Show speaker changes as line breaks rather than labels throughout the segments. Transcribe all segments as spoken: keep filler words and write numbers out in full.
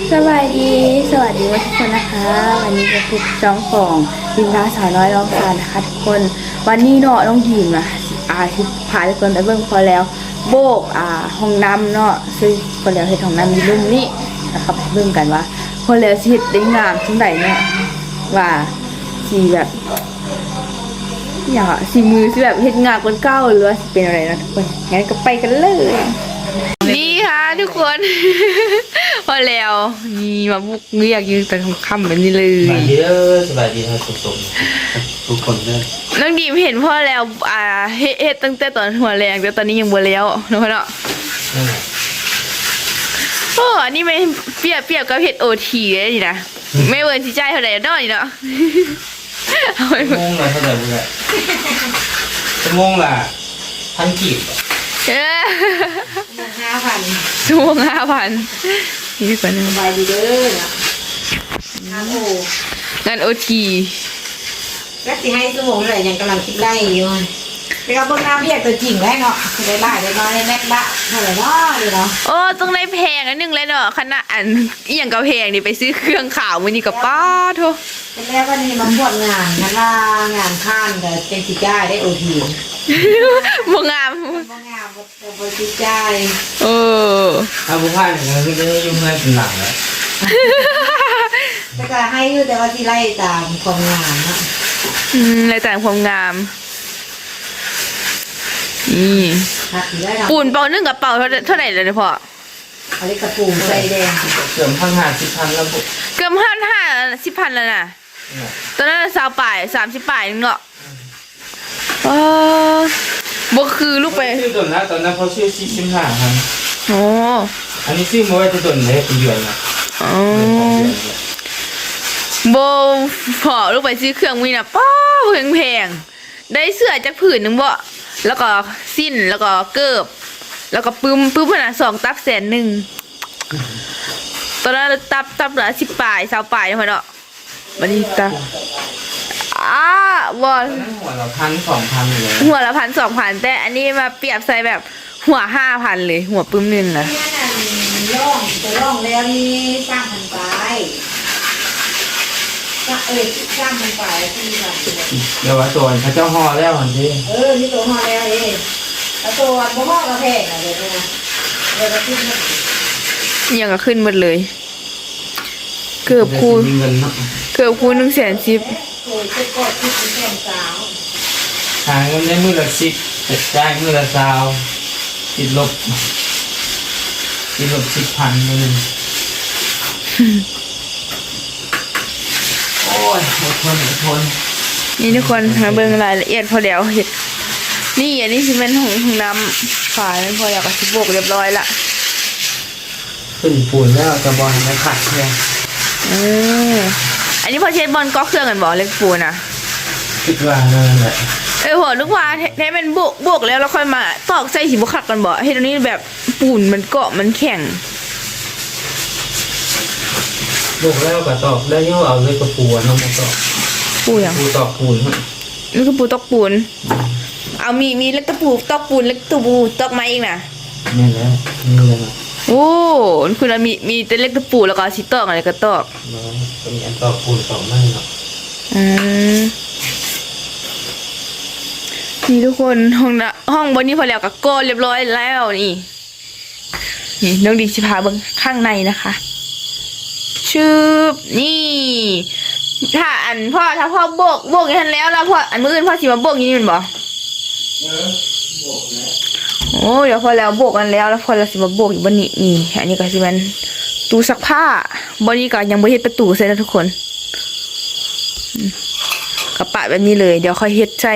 สวัสดีสวัสดีทุกคนนะคะวันนี้จะพบจ้องของดิมดาสาวน้อยร้องสารนะคะทุกคนวันนี้เนาะน้องดีมนะอาที่พาทุกคนไปเบิ่งพอแล้วโบกอ่าห้องน้ำเนาะซึ่งพอแล้วเห็นห้องน้ำมีรุ่มนี้นะครับไปเบิ่งกันว่าพอแล้วสิเฮ็ดได้งามทั้งใดเนาะว่าสีแบบอย่างอ่ะสีมือสิแบบเฮ็ดงามกว่าเก่าหรือว่าสิเป็นอะไรนะทุกคนงั้นก็ไปกันเลยนี่ค่ะทุกคน พอแล้วนี่มาบุกเรียกยืนแต่ค่ำๆแบบนี้เลย
สบายดีเด้อสบายดีครับทุกคนทุกคนเด้อ
น้องดีมเห็นพ่อแล้วอ่าเฮ็ดเฮ็ดตั้งแต่ตอนหัวแรงแต่ตอนนี้ยังบ่แล้วเนาะเนาะนั่นแหละโอ้อันนี้ไม่เปรียบเปรียบกับเฮ็ด โอ ที เลยนี่นะไม่เวิร์นสิจ่ายเท่าใดเนาะนี่เนาะเอาไป
ชั่วโมงละเท่าไหร่บุญชั่วโมงละพันกีบ
เออ
ห้าพัน
ชั่วโมงห้าพันนี่ดีกว่านึง
สบายดีเด้อห้าโมง
งาน โอ ที
ก็สิให้ชั่วโมงอะไรยังกำลังคิดไล่อยู่ไปเอาเบิ่งน้ำเรียกตัวจริงได้เนาะได้ไล่ได้น้อยได้แม็กละเท่าไหร่เนาะดีเนาะ
โอ้ต้องได้แพงอันนึงเลยเนาะขนาดอันอีหยังก็แพงนี่ไปซื้อเครื่องข่าวมื้อนี้ก็ป้าโธ่
แล้ววันนี้มาพวดงานงานล่างานข้านแต่เป็นสิจ่ายได้โอที
บ่งาม
บ่งามบ่บ่สิจ่าย
เออ
ถ้าผู้พ่ายเนี่ยคือจะยุ่งให้เป็นหลังแล้ว
แต่ก็ให้อยู่แต่ว่าสิไล่ตามความงามเนาะ
อืมในแต่ความงามนี่ปูนเป่านึ่งกับเป่าเท่าเท่าไหร่เลยพ่อ
อันนี้กระปูใส่แดง
เกือบพันห้าสิบพันแล้วบุ
เกือบพันห้าสิบพันแล้วนะตอนนั้นสาวป่ายสามสิบป่ายนึงเนาะเออบกคือลูกไป
ชื่อตุนนะตอนนั้นเขาชื่อสี่สิบห้าพัน
โอ้
อันนี้ชื่อมาไว้ตุนเลยเป็นเดือนนะ
อ๋อโบพอลูกไปซื้อเครื่องมีนะป้าแพงแพงได้เสื้อจากผืนนึงบ่แล้วก็สิ้นแล้วก็เกิบแล้วก็ปึ้มปึ้มขนาดสองตับแสนหนึ่งตอนนั้นตับตับเหลือสิบปลายสาวปลายเท่านั้นเนาะวันนี้ตับอ้าบอล
หัวละพันสองพันเลย
หัวละพันสองพันแต่อันนี้มาเปรียบใส่แบบหัวห้าพันเลยหัวปึ้มหนึ่งนะ
ร่องจะร่องแล้วนี่สร้างมันไปเออสร้างมันไปที่แบบ
เดี๋ยวว่าตัวพระเจ้าห่อแล้วอันที่
เออที่ตัวห่อแล้วเองแล้วตัวบ่ห่อกระเพกอะเดี๋ยวนะเดี๋ยวจะขึ้น
ยังก็ขึ้นหมดเลยเกือบคูณเกือบคูณหนึ่งแสนสิบ
หาเงินได้มือละสิบจ่ายมือละสาวติดลบติดลบสิบพันนึงโอ้ยอดทนอดทน
นี่ทุกคนมาเบิ่งรายละเอียดพอแล้วเห็ดนี่อันนี้ซีเมนต์ของน้ำฝาพอแล้วก็สิบโบกเรียบร้อยละ
ขึ้นปูนแล้วจะบอลไม่ขาดเลย
อืออันนี้พอเช็ดบอลก็เครื่องกันบอกเล็กปูนนะ
คิดว่านั่นแหละ
เออหัวลูกว่าแท้เป็นโบกโบกแล้วเราค่อยมาตอกใส่หิบุขักกันบอกให้ตรงนี้แบบปูนมันเกาะมันแข็ง
โบกแล้วก็ตอกแล้วยังเอาเลยกระปูน้องมาตอก
ปูอย่าง
ปูตอกปูน
นี่คือปูตอกปูนเอามีมีเล็กตะปูตอกปูนเล็กตะปูตอกไม้เองนะ
นี่แหละนี่แหละ
โอ้คุณมีมีแต่เล็กตะปูแล้วก็สีตอกอะไรก็ตอก
ก็มีอันตอกปูนตอกไม้เนาะ
อืมนี่ทุกคนห้องนะห้องบนนี้พอแล้วก็ก้อนเรียบร้อยแล้วนี่นี่น้องดีชิพาเบิ้งข้างในนะคะชืบนี่ถ้าอันพ่อถ้าพ่อโบกโบกอย่างนั้นแล้วแล้วพ่ออันมืออื่นพ่อชิมาโบกอย่างนี้มันบอกโอ้เดี๋ยวพอแล้วโบกกันแล้วแล้วพอเราสิมาโบกอีกบนนี้นี่อันนี้ก็สิมันตู้ซักผ้าบนนี้ก็ยังไม่เฮ็ดประตูใส่นะทุกคนกระปะแบบนี้เลยเดี๋ยวค่อยเฮ็ดใส่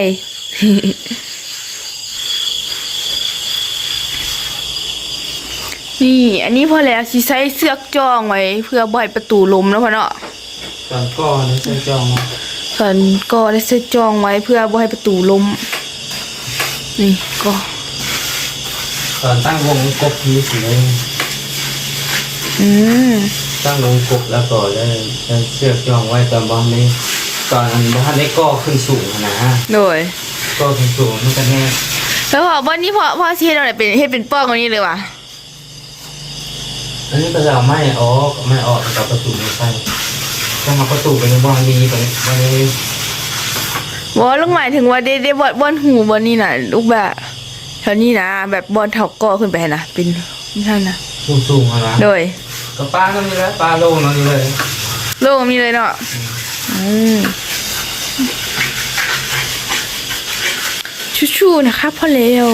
นี่อันนี้พอแล้วสิใช้เสือกจองไว้เพื่อบ่ให้ประตูล้มแล้วพ่อเนาะ
ตอนก่อได้ใส่จอง
ตอนก่อได้ใส่จองไว้เพื่อบ่ให้ประตูล้มนี่ก็
ตอนตั้งวงกบนี้สิเลย
อืม
ตั้งวงกบแล้วก็ได้เสือกจองไว้ตอนบ้านนี้ตอนบ้านนี้ก็ขึ้นสูงนะฮะ
โดย
ก็ขึ้นสูงมันก็แน่
แล้วพอวันนี้พอพ่อเฮ็ดอะไรเป็นเฮ็ดเป็นป้องอันนี้เลยวะ
ออันนี้ก็จะเอาไม้ออกไม้ออกกับประตูไม่ใช่จะมาประตูเป็นบอลดีไปวันนี้
บอกลูกหมายถึงว่าได้ได้บอลบอลหูบอลนี่น่ะลูกแบบแถวนี้นะแบบบอลเถาก่อขึ้นไปนะเป็นไม่ใช่นะ
สูงๆอะไร
โดย
ก็ปลาก็มีแล้วปลาโล่งนั่นเลย
โลกมีเลยเนาะอืมชูๆนะครับพ่อเลว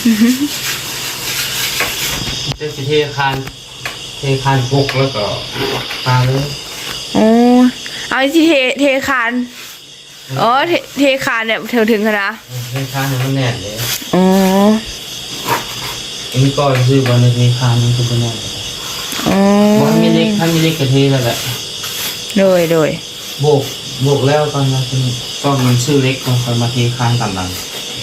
เจ้าสิเทคานเทคานปุกแล้วก็ปลาเลย
โอ้เอาที่เทเทคานอ๋อเทเทคานเนี่ยเถวถึงขนาด
เทคานเนี่ยมันแน่นเลย
อ๋อ
อันนี้ก็ซื้อบอลในเทคานมันคือมันแน่น
อ๋อบ
อลมีเล็กถ้ามีเล็กกระเทแล้วแหละ
โดยโดย
โบกโบกแล้วตอนนั้นก็มันชื่อเล็กตรงคอยมาเทคานต่ำดัง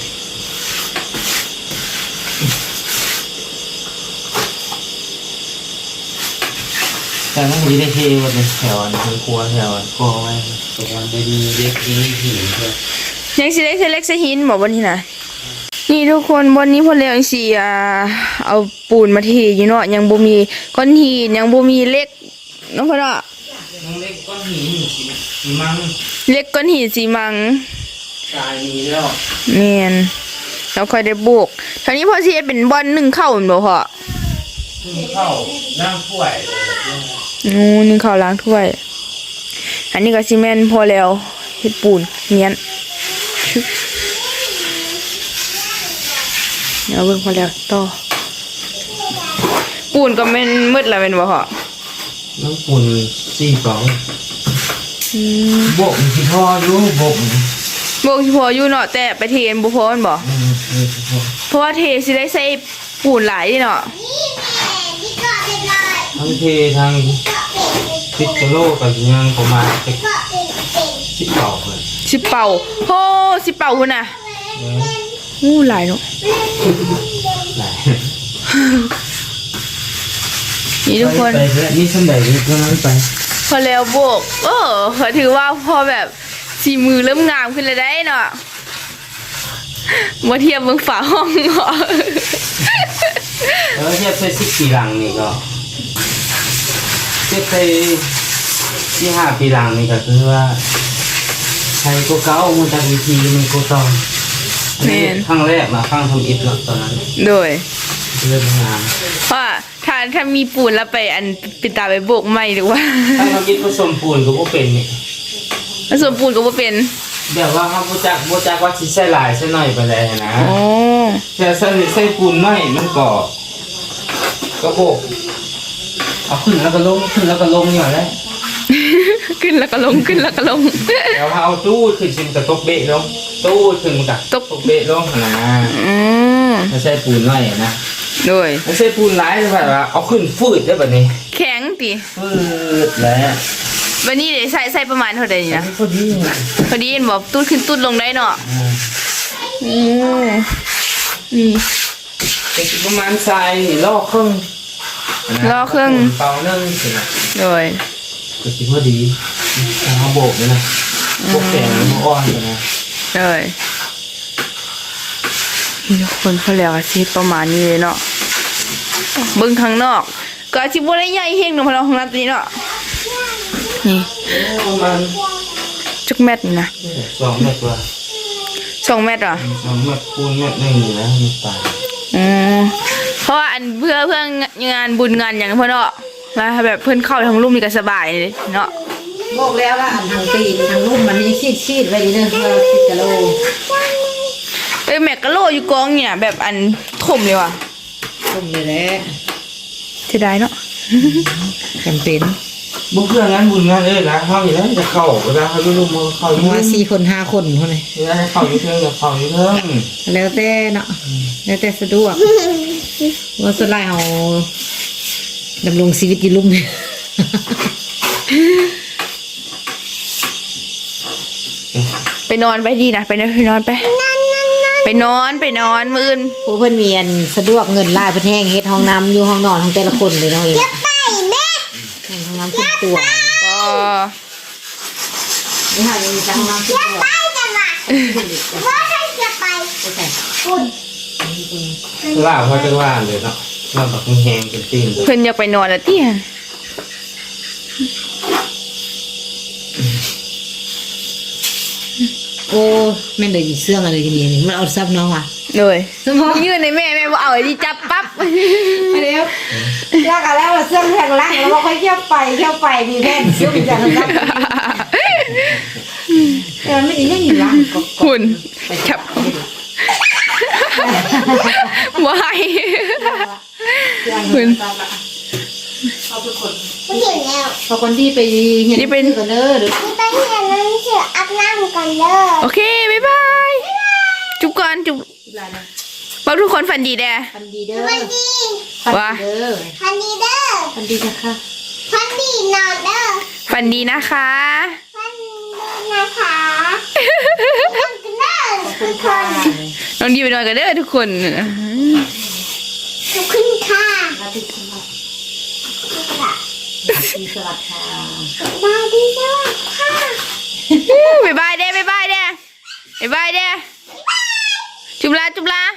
แต่ไม่มีได้เทวันเป็นแถวอันเป็นครัวแถวอันก็ไว้ตรงนั้นได้มีเล็กนี้หินเลย
ยังสิเล็กสิเล็กสิหินบอกวันนี้นะนี่ทุกคนวันนี้พ่อเลวสิอ่าเอาปูนมาเทอยู่เนาะยังบ่มีก้อนหินยังบ่มีเล็กเนาะพ่อเนาะ
น้องเล็กก้อนหินสีมัง
เล็กก้อนหินสีมัง
ตายมีแล้ว
แม่นแล้วค่อยได้โบกตอนนี้พ่อสิเฮ็ดเป็นบอลหนึ่งเข้าแม่นบ่พ่อ
ขึ้นเข้านั่งถ้วยเลย
อือหนึ่งเข้าล้างถ้วย อันนี้ก็ซีเมนต์พอแล้วเฮ็ดปูนเนียนชึบเดี๋ยวเบิ่งพอแล้วต่อปูนก็แม่นมืดแล้วแม่นบ่พ่อ
น้ำปุ่นสี่สอง
อืม
บกที่พ่ออยู่บก
โบกสิพออยู่เนาะแต่ไปเทนบ่พอแม่นบ่เพราะว่าเทสิได้ใส่ปูนหลายนี่เนาะ
ทั้งเททางติดกระโลกกับยังประมาณสิบสิบเก่าเลย
สิเป่าโหสิเป่าพุ่นน่ะอู้หลายเนาะ
หลาย
นี่ทุกคน
ไปเถอะนี่สมัยนี้เท่านั้นไป
พอแล้วโบกเออเขาถือว่าพอแบบสีมือเริ่มงามขึ้นเลยได้เนาะมาเทียบเมืองฝาห้องเนาะ
เออเทียบไปสิบปีหลังนี่ก็เทียบไปที่ห้าปีหลังนี่ก็คือว่าใช้ก็เก้ามันจากวิธีมันก็ต้องอันนี้ครั้งแรกมาครั้งทำอิฐเนาะตอนนั้น
โดย
เริ่มงาน
เพราะว่าถ้าถ้ามีปูนแล้วไปอันปิดตาไปโบกไม่หรือว่า
ถ้าทำอิฐผสมปูนก็บ่เป็นนี่
ผสมปูนก็บ่เป็น
แบบว่าเขาบ่จักบ่จักว่าสิใส่หลายใส่น้อยไปแล้วนะ
อ๋อ
แต่ใส่ใส่ปูนน้อยมันก็ก็โบกเอาขึ้นแล้วก็ลงขึ้นแล้วก็ลงนี่ว่าแหละ
ขึ้นแล้วก็ลงขึ้นแล้วก็ลง
แล้วเอาตู้ขึ้นสิมันก็ตกเบะลงตู้ขึ้นมันก็
ตก
ตกเบะลงหั่นนะ
อืม
ถ้าใส่ปูนน้อยอะนะ
โดย
ถ้าใส่ปูนหลายแบบว่าเอาขึ้นฟืดได้แบบนี้
แข็งติ
ฟืดแล้ว
วันนี้เดี๋ยวใส่ใส่ประมาณเท่าใดนี่
อัน
นะ
นี้พอดีนะ
พอดีเห็นบอกตูดขึ้นตูดลงได้เนาะ
อ่า
อืมนี่
เป็นประมาณทรายนี่ลอกครึ่งนะ
ลอกครึ่ง
เป่านึ่งสินะ
โดย
ก็คิดว่าดีเอาโบกเลยนะโบกแก่แล้วมันอ่อนเลยนะ
เลยนี่ทุกคนพอแล้วก็สิประมาณนี้เลยเนาะเบิ่งข้างนอก ก็สิบ่ได้ใหญ่เฮงเนาะเพราะเราของน้ำตัวนี้เนาะนี่
ประมาณ
จักแมตรนี่นะ
สองเมตรว่า
สองเมตรเหรอ
สองเมตรคูณเมตรหนึ่งอยู่แล้วมีตาย
อืมเพราะว่าอันเพื่อเพื่องานบุญงานอย่างเพื่อนเนาะแล้วแบบเพื่อนเข้าทางลุ่มนี่ก็สบายเลยเนาะ
บอกแล้วละอันทางตีนทางลุ่มมันนี่ชีดชีดไว้ดีเด้อเราสิบกิโล
เอ้ยแม็กกะโลอยู่กองเนี่ยแบบอันถมเลยว่ะ
ต้มเลยแหละ
เสียดายเนาะ
จำเป็น
บุกเพื่องานบุญงานเอ้ยนะเขาอยู่แล้วจะเข้าเวลาเขาลุ่มมือเข้าอยู่
ว่าสี่คนห้าคนเท่านั้น
เวลาให้เข้าอยู่เทิงจะเข้าอยู่เทิง
แล้วแต่เนาะแล้วแต่สะดวกว่าสุดท้ายเอาดำรงชีวิตอยู่ลุ่มเนี่ย
ไปนอนไปดีนะไปนอนไปนอนไป ไปนอนไปนอนมื้ออื่น
ผู้เพิ่นมีอันสะดวกเงินลายเพิ่นแห้งเฮ็ดห้องน้ำอยู่ห้องนอนของแต่ละคนเลยเนาะเองห้องน้ำขึ้นตัว
ก็
นี่ค่ะมีห้องน้ำขึ้นตัว
ล่าเขาจะว่าเลยเนาะเราแบบแห้งๆตื่นๆ
เพิ่นอยากไปนอนแล้วติ
โอ้แม่นได้ยินเสื้ออะไรกันนี่นี่มันเอาซับน้องว่ะ
เลย
สมอง
ยืนในแม่แม่บ่เอาไอ้นี่จับปั๊บ
เดี๋ยวลากอะไรว่าเสื้อแพงล่างแล้วเราค่อยเที่ยวไปเที่ยวไปมีแว่นซุ่มจากนั้นเออไม่ได้ยังอยู่ล่างก็
คุณจับวาย
คุณ
ไม่เห็นแล้ว
พอคนที่ไปเห็นเป็นกันเด้อหรือ
ไม่ไปเห็นแล้วนี่เสืออาบน้ำก่อนเด้อ
โอเคบ๊ายบายจุ๊บก่อนจุ๊บบอกทุกคนฝันดีแด่
พันดีเด้อ
พันดี
พันดีเด้อ
พันดีเด้อ
พันดีนะคะ
พันดีนอนเด้อ
ฝันดีนะคะ
พันดีนะคะนอนกันเด้อทุกคน
น้องดีไปนอนกันเด้อทุกคน
ขอบคุณค่ะ
ลาติสวัสดีสวัสดีค่ะ
บายดีสวัสดีค่ะ
บ๊ายบายเด้บ๊ายบายเด้บ๊ายบายเด้จุ๊บลาจุ๊บลา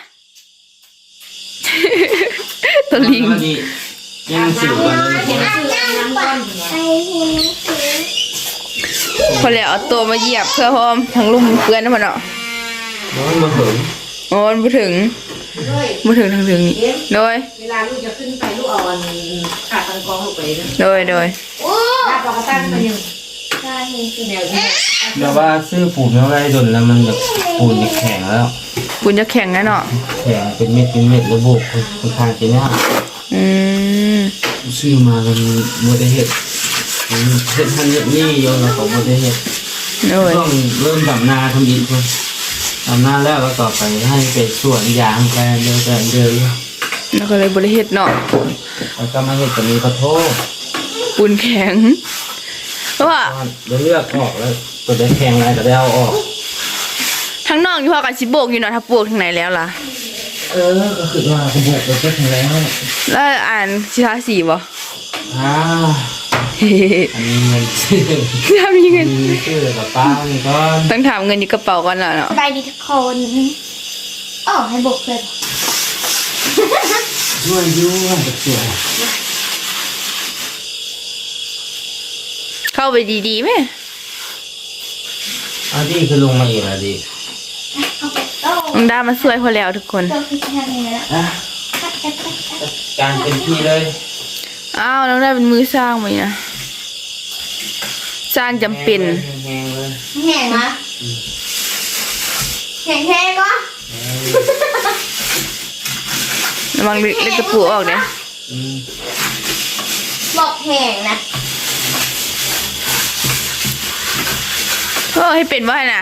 ตัวลิง
วันนี้ยังสิวกันเลย
อาบน้ำก่อนไปเรียนหนังสือ
พอแล้วเอาตัวมาเหยียบเพื่อพร้อมทั้งลุ่มเพื่อนนะมันเนาะ
มันมาถึง
โอ้ยมาถึง
ด้วย
มาถึงทางถึงนี่โดย
เวลาลูกจะขึ้นไปลูกเอาอันขาตังกองลูกไปเลย
โดยโดย
โอ้
ถ้าปกติมันยัง
ได้เห็นสิ
แนวนี้
เดี๋ยวว่าซื้อปูนไม่ได้ดนแล้วมันแบบปูนจะแข็งแล้ว
คุณจะแข่งนะเนาะ
แข็งเป็นเม็ดเป็นเม็ดแล้วโบกค่อนข้างจะยาก
อืม
ซื้อมามันโมได้เห็ดมันเห็ดทันเห็ดนี่โยนแล้วก็โมได้เห็ด
โดย
ต้องเริ่มดำนาทำอีกคนดำนาแล้วแล้วต่อไปให้ไปสวนยางไปเดินไปเดิน
แล้วก็เลยบริเฮ็ดเนาะ
แล้วก็มาเห็ดกับมีขอโทษ
ปูนแข็งเพราะว่า
เดี๋ยวเลือกออกแล้วตัวได้แข็งอะไรก็ได้เอาออก
ทั้งนอกอยู่พอกันสิโบกอยู่เนาะถ้าปลูกทางไหนแล้วล่ะ
เออก็คือว่ากระบอกเราก็ถึงแล้ว
แล้วอ่านชิทาสีบ่
อ่า
เฮ้
อันนี้เงินชื่อ
ทำยังไง
มีชื่อกับป้านี่ก่อน
ต้องถามเงินอยู่กระเป๋าก่อนล่ะเนาะ
ไปดีทุกคนอ๋อให้บอกเลย
ยั่วยั่วจะเสีย
เข้าไปดีๆไหม
อันนี้คือลงมาอีกแล้วดิ
เอาไปโต้
น้องดามาสวยพอแล้วทุกคน
โต้คือทำยังไงล่ะ
อ่ะการเป็นที่เลย
อ้าวน้องดาเป็นมือสร้างไหมนะสร้างจำเป็น
แห้งๆเลย
แห้งนะแห้งแห้งก็
ระวังเล็กตะปูออกเด้
อืม
บอกแห้งนะ
เออให้เป็นว่าน่ะ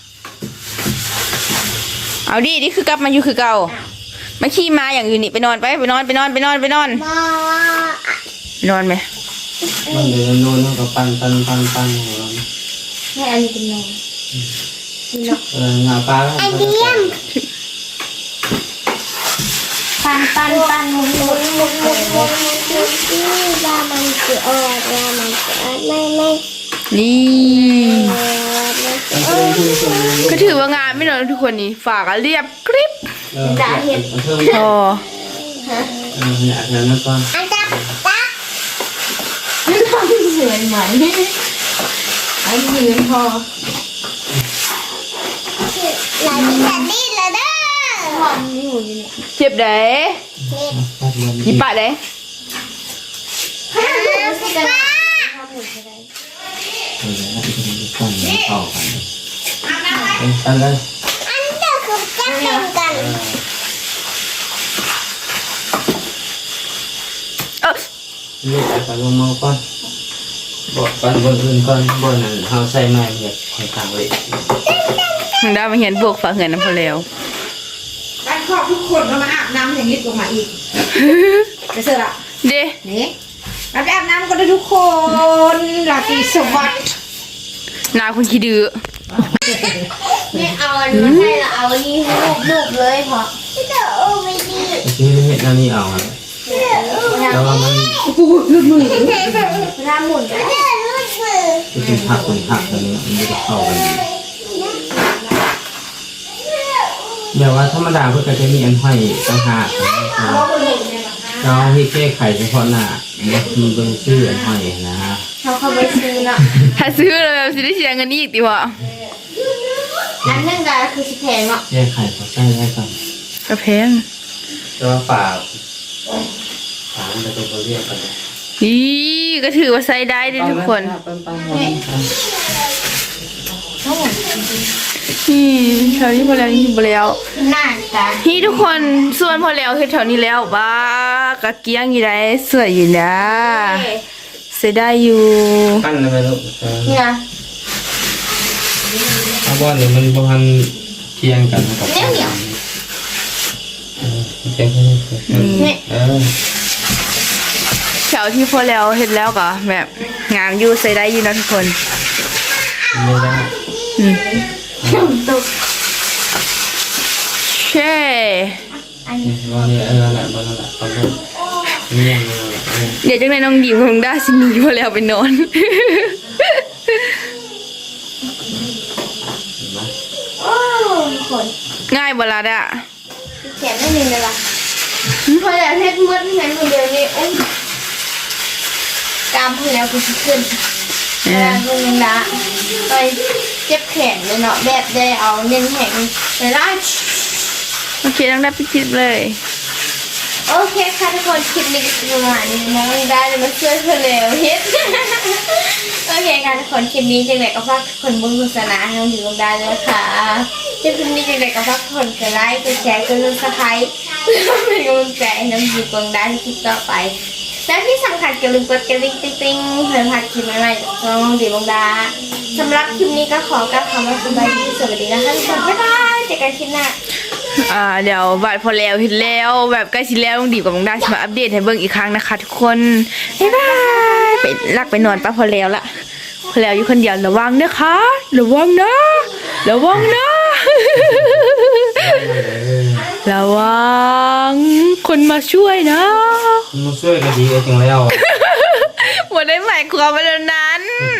เอาดินี่คือกลับมาอยู่คือเก่ามาขี้มาอย่างอื่นนี่ไปนอนไปไปนอนไปนอนไปนอนไปนอน
มา
ไปนอนไหม
มันเดินโน่นแล้วก็ปันปันปันปันของเรา
แม่อันนี้เป็นนม
เออหน้าปลาแล้ว
ไอเดียมปันปันปันหมุนหมุนหมุนหมุนหมุนหมุนหมุนที่ยามันจะออกยามันจะออกไม่ไม่
นี่
เออไม่จะอ
เอ
อ
อก คือคือ
ก็ถือว่างานไม่นอนทุกคนนี่ฝากอะเรียบกริบ
เออเห็นเพิ่ม
พอ
เอออยากนั้นก่อน
อันจับตัก
สวยไหมไอ้ยืนพอ
ไหลที่แผ่นดินเลยเด้อหอมอยู่นี่
เจ็บเด้
นี่
ปัดมัน
ยี่ปะเด้
ฮ่าสิกะ
เออแล้วก็จะปั้นเข้ากันปั้นเลย
อันเดียวคือจะเป็นกัน
เออ
นี่แต่ก็ลงมาก่อนบอกปั้นบนอื่นก่อนบนนั้นเขาใส่ไม้เบียดให้ต่างเลย
น้องดามาเห็นบวกฝากเงินน้ำพอแล้ว
การครอบทุกคนก็มาอาบน้ำอย่างนี้ลงมาอีกไปเสร็จละ
เด้
นี่มาไปอาบน้ำกันด้วยทุกคนราตรีสวัสดิ์
นาคนขี้ดื้อ
ไม่เอาอันนั้นให้ละเอาอันนี้ให้ลูกๆเลยพอพี่เต๋อโอ้ไม่ดี
ที่ไม่เห็นแล้วนี่เอาอะไรแต่ว่ามัน
เวลาหมุนก็ได้ลูกมือ
จะเป็นผักเป็นผักตรงนี้มันจะเข้ากันเดี๋ยวว่าธรรมดาเพื่อจะมีอันห้อยต่างหาก
เพราะคนหนึ่งเนี่ยมาห้า
เราที่แก้ไขเฉพาะหน้ามันเป็นชื่ออันห้อยนะ
เขาเขาไปซื้อเนาะ
ถ้าซื้อแล้วแบบสิได้เสียเงินอีกติวะ
อันนึงก็คือสิแพงเนาะ
แก้ไขเขาใช้ได้ครับ
กระเพง
แต่ว่าฝากฝากมันจะเป็นตัวเรียกกันเลย
อีก็ถือว่าใช้ได้เด้อทุกคน
ปังปังปังปัง
นี่แถวนี้พอแล้วนี่พอแล้ว
หน้าตา
นี่ทุกคนส่วนพอแล้วคือแถวนี้แล้วบ้ากะเกียงอยู่ได้สวยอยู่นะเสียได้อยู่
ปั้นเลยไหมลูก
เนี่ย
เอาบอลเดี๋ยวมันพันเคียงกันกับ
เหนียวเหนียว
เคียงกัน
นี่
เออ
แถวที่พอแล้วเห็นแล้วก็แบบงามอยู่ใส่ได้อยู่นะทุกคน
ไม่ได้
อืม
ตุก
เช่
อันนี้
บอลเนี่ยเออแหละบอลแหละบอลเนี่ยเนี่ย
เดี๋ยวจังในน้องดีมคงได้สิหนีพอแล้วไปนอน
โอ้คน
ง่ายบลาดอะ
แขนไม่มีเลยล่ะพอแล้วเพชรมดเห็นคนเดียวนี่อุ้ยกามพอแล้วกูจะขึ้นแล้วกูยังละไปเจ็บแขนเลยเนาะแบบได้เอาเน้นแข็งไปได้
โอเคต้องได้ไปคลิปเลย
โอเคค่ะทุกคนคลิปนี้ก็ประมาณนี้นะได้เลยมาช่วยเพื่อนเร็วฮิต โอเคค่ะทุกคนคลิปนี้จังไหนก็ฝากทุกคนบุญกุศลให้น้องอยู่ได้เลยค่ะคลิปนี้จังไหนก็ฝากทุกคนกดไลค์กดแชร์กดซับสไครต์เพื่อเป็นกำลังใจให้น้องอยู่กองได้ในคลิปต่อไปและที่สำคัญอย่าลืมกดกระดิ่งติ๊งๆเพื่อพลาดคลิปใหม่ๆจากน้องดีบงดาสำหรับคลิปนี้ก็ขอกล่าวคำว่าสบายดีสวัสดีนะคะทุกคนบ๊ายบายเจอกันคลิปหน้า
อ่าเดี๋ยวบัดพอแล้วเห็นแล้วแบบใกล้ชิดแล้วต้องดีบกับน้องได้มาอัปเดตให้เบิ่งอีกครั้งนะคะทุกคนบ๊ายบายไปลักไปนอนป้าพอแล้วละพอแล้วอยู่คนเดียวระวังนะคะระวังนะระวังนะ ระวังคนมาช่วยนะ
มาช่วยกันดีจังแล้ว
หมดได้หมายความว่าแล้วนั้น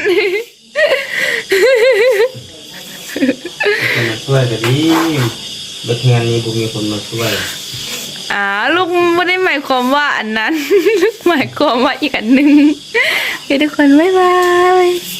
มาช่วยกันดีเบิดงานนี้บุมีคนมาช่วย
อ่าลูกไม่ได้หมายความว่าอันนั้น ลูกหมายความว่าอีกอันหนึ่งโอเคทุกคนบ๊ายบาย